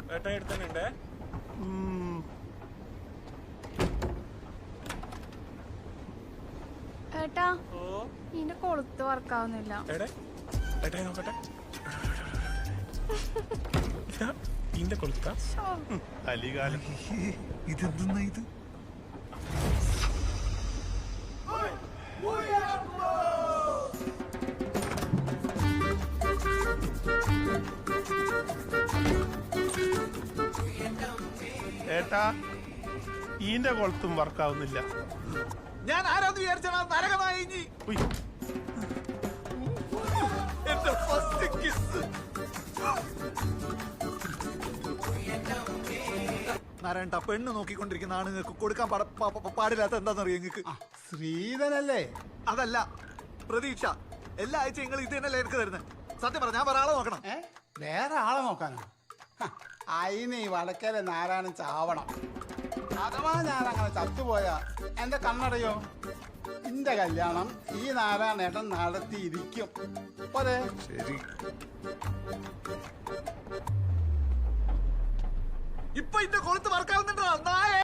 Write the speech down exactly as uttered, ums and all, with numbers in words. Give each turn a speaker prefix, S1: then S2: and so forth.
S1: ഏട്ടാ എടുത്തന്നെ
S2: ഏട്ടാ നിന്റെ കൊളുത്ത് വർക്കാവുന്നില്ല.
S1: നോക്കട്ടെ ഇന്റെ കൊളുത്ത അലികാലം
S3: ഇതെന്തെന്നാ ഇത്?
S1: ഏട്ടാ ഈന്റെ കൊളുത്തും വർക്കാവുന്നില്ല.
S3: ഞാൻ ആരാന്ന് വിചാരിച്ചാ നരകമായി. എന്റെ ഫസ്റ്റ് കിസ്. നാരായണ, പെണ്ണ് നോക്കിക്കൊണ്ടിരിക്കുന്ന ആണുങ്ങൾക്ക് കൊടുക്കാൻ പാടില്ലാത്ത എന്താണെന്നറിയോ നിങ്ങൾക്ക്?
S4: ശ്രീധനല്ലേ?
S3: അതല്ല, പ്രതീക്ഷ. എല്ലാ ആഴ്ച നിങ്ങൾ ഇത് തന്നെയല്ലേ എനിക്ക് തരുന്നത്? സത്യം പറഞ്ഞ ഞാൻ വേറെ ആളെ നോക്കണം.
S4: വേറെ ആളെ നോക്കാനോ? അയിന് ഈ വടക്കേലെ നാരായണൻ ചാവണം. അഥവാ ഞാൻ അങ്ങനെ ചത്തുപോയാ എന്റെ കണ്ണടയോ? എന്റെ കല്യാണം ഈ നാരായണേട്ടൻ നടത്തിയിരിക്കും. പോരെ?
S3: ശരി. ഇപ്പൊ ഇന്റെ കൊളുത്ത് വർക്കാവുന്നുണ്ടോ നായ?